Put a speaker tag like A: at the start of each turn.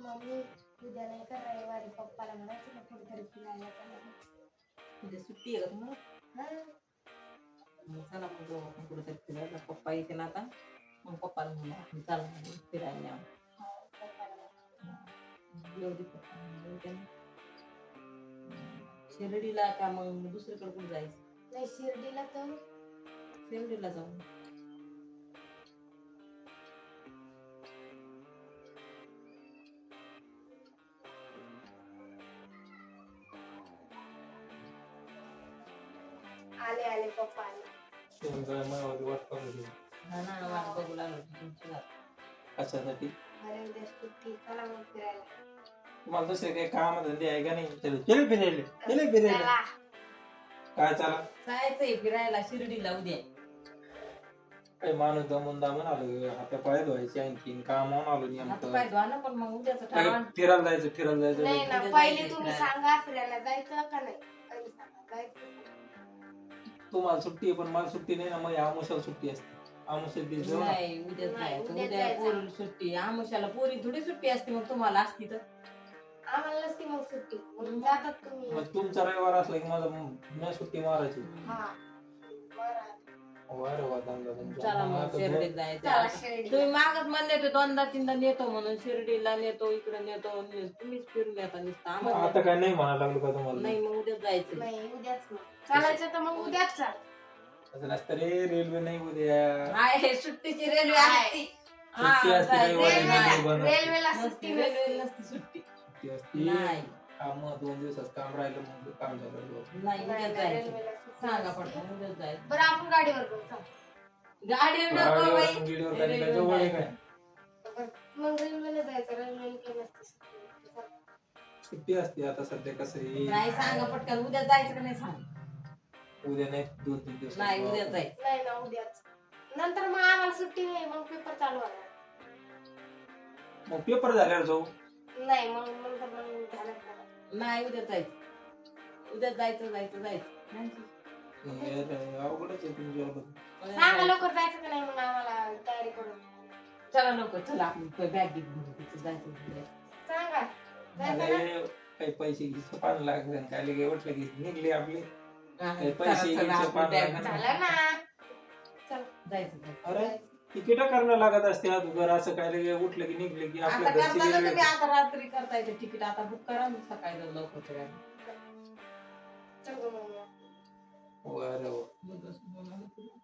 A: Mummy उद्या नाही का रविवारी पप्पाला म्हणायचं ना कुठेतरी फिरायला चला.
B: उद्या सुट्टी आहे का तुम्हाला?
A: हा
B: मग चला मग जाऊ आपण कुठेतरी फिरायला. पप्पा येते ना आता, मग पप्पाला म्हणू आपण चला म्हणून फिरायला न्यावं.
A: हो, पप्पाला म्हणायचं.
B: येऊ दे पप्पा म्हणून येते ना. शिर्डीला का मग दुसरीकडे कुठे जायचं?
A: नाही शिर्डीला तर
B: शिर्डीला जाऊ.
A: आले आले पप्पा आले.
B: हा ना, वाट बघू लागलो तुमची वाट.
C: कशासाठी?
A: अरे उद्या सुट्टी चला मग फिरायला.
C: तुम्हाला दुसरे काही काम धंदे आहे का नाही? चले फिरायला
A: चला.
C: काय चला?
B: जायचंय फिरायला शिर्डीला उद्या.
C: काही माणूस दमून आलो, हाता पाय धुवायचे, आणखीन कामावून आलो
B: आता
C: नेमकं.
B: काय धुवा ना, पण मग उद्याचं ठरवा.
C: फिरायला जायचं
A: नाही ना
B: उद्या
A: पहिले
B: जायचं
A: तुम्ही
B: फिरायला.
A: सांगा फिरायला जायचं का नाही पहिले सांगा जायचं.
C: तुम्हाला सुट्टी आहे पण मला सुट्टी नाही ना, मग आमुषाला सुट्टी असते. आमुषात दिवस जाऊ ना.
B: नाही उद्या
A: नाही,
B: जायचं.
A: उद्या
B: उद्या
A: जायचं.
B: पोरी सुट्टी. आमुषाला पोरी थोडी सुट्टी असते, मग तुम्हाला असती तर.
A: आम्हाला नसती मग सुट्टी मग जातात तुम्ही.
C: मग तुमचा रविवार असला की मला मी सुट्टी मारायची.
A: हा बरं.
C: वारे वा धंदा तुमचा.
B: चला मग
C: आता
B: शिर्डीत
A: चला
B: जायचं.
A: शिर्डी.
B: तुम्ही मागत म्हणले होते दोनदा तीनदा नेतो म्हणून, शिर्डीला नेतो, इकडे नेतो. तुम्हीच फिरून येता नुसतं. आम्हाला
C: आता काय नाही म्हणायला लागलो का तुम्हाला?
B: नाही, मग उद्या जायचं.
A: नाही उद्याच मग चालायचं तर मग उद्याच चाल.
C: असं नसतं रे, रेल्वे नाही उद्या.
B: आहे सुट्टीची रेल्वे
A: आहे.
B: असती.
C: सुट्टी असते
B: जायचं.
C: रविवारी.
B: नाही,
C: बनवते.
A: रेल्वेला
B: नसती,
A: सुट्टी
B: रेल्वे
A: नसते.
B: नसती सुट्टी.
C: सुट्टी असते.
B: नाही
C: काम 2 दिवसात काम राहिलं मग काम झालं.
B: नाही उद्या
A: नाही,
B: जायचं.
A: रेल्वेला सुट्टी
B: सांगा
A: नसते.
B: पटकन उद्या जायचं.
A: बरं आपण गाडीवर जाऊ चल.
B: गाडी नको बाई.
C: गिडीवर काय काय जवळ आहे काय?
A: बरं, मग रेल्वेला जायचं रेल्वेला काही नसते सुट्टी. चल.
C: सुट्टी असते आता सध्या कसं आहे.
B: नाही सांगा पटकन उद्या जायचं का नाही सांग.
C: उद्या नाही 2-3 दिवस.
B: नाही उद्या जायचं.
A: नाही ना उद्याच नंतर मग आम्हाला सुट्टी नाही मग पेपर चालू होणार.
C: मग पेपर झाल्यावर जाऊ.
A: नाही मग नंतर मग झालं का?
B: नाही उद्या जायचं. उद्या जायचं जायचं जायचं. नाही.
C: हे रे, अवघडच आहे तुमच्यावर.
A: सांगा लवकर जायचं का नाही मग आम्हाला तयारी करून.
B: चला नको चला आपण बॅग घेऊन जायचं उद्या.
A: सांगा
C: मला
A: जायचं ना.
C: हे काही पैसे घ्यायचं पान लागले काय लगे उठले की निघले आपले.
B: हा,
C: काही
B: चला,
C: पैसे
B: चला,
C: घ्यायचे
B: आपण
C: पान
B: bag
C: लागले.
A: झालं ना चल.
B: जायचं जायचं.
C: अरे तिकीट करणं लागत असते अगोदर, असं काय लगे उठलं की निघले की
B: आता
C: आपल्या घरची
B: करताना
C: रेल्वे.
B: तुम्ही आता रात्री करता येते तिकीट. आता बुक करा ना सकाळी जाऊ लवकर तयार.
A: चल गं मग.
C: वा रे वा.
B: मग असं बोलायला पुढे.